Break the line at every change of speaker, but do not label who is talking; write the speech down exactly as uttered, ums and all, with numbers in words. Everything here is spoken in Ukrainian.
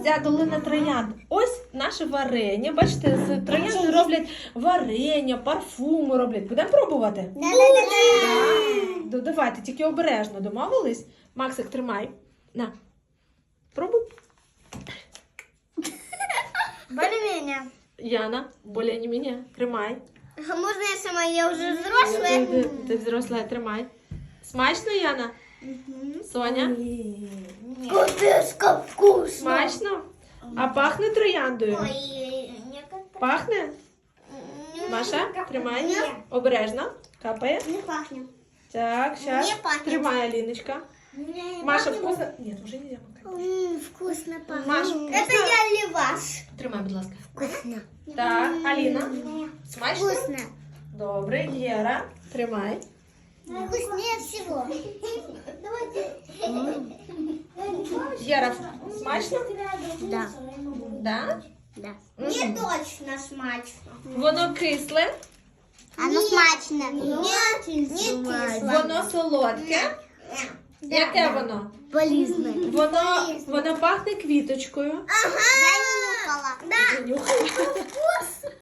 гроздя долина троянд. Ось наше варення. Бачите, з троянди роблять варення, парфуми роблять. Будемо пробувати? Да. Давайте, тільки обережно. Домовились? Максик, тримай. На. Пробуй.
Более-менее.
Яна, более не мене. Тримай.
Можно я сама? Я уже
Ти,
взрослая.
ти, ти взросла, тримай. Смачно, Яна? Соня?
Капец, вкусно.
Смачно? А пахне трояндою?
Ой, некогда.
Пахне? Маша, тримай. Обережно. Капає.
Не пахнет.
Так, сейчас.
Не пахнет.
Тримай, Алиночка.
Не
Маша,
пахнет.
вкусно? Нет, уже нельзя макать.
М, Вкусно пахнет.
Маш,
Это я или ваш?
Тримай, будь ласка.
Вкусно.
Так, Аліна. Смачно?
Вкусно.
Добре, Єра. Тримай.
Вкуснее всего. Давайте.
Єра, смачно?
Да.
Да?
Да.
Мгм.
Не точно смачно.
Воно кисле,
Оно смачно. Нет, не кисло.
воно солодке. Яке воно?
Полезно.
Воно, воно пахне квіточкою.
Ага. Я не нюхала. Да.
Нюхай.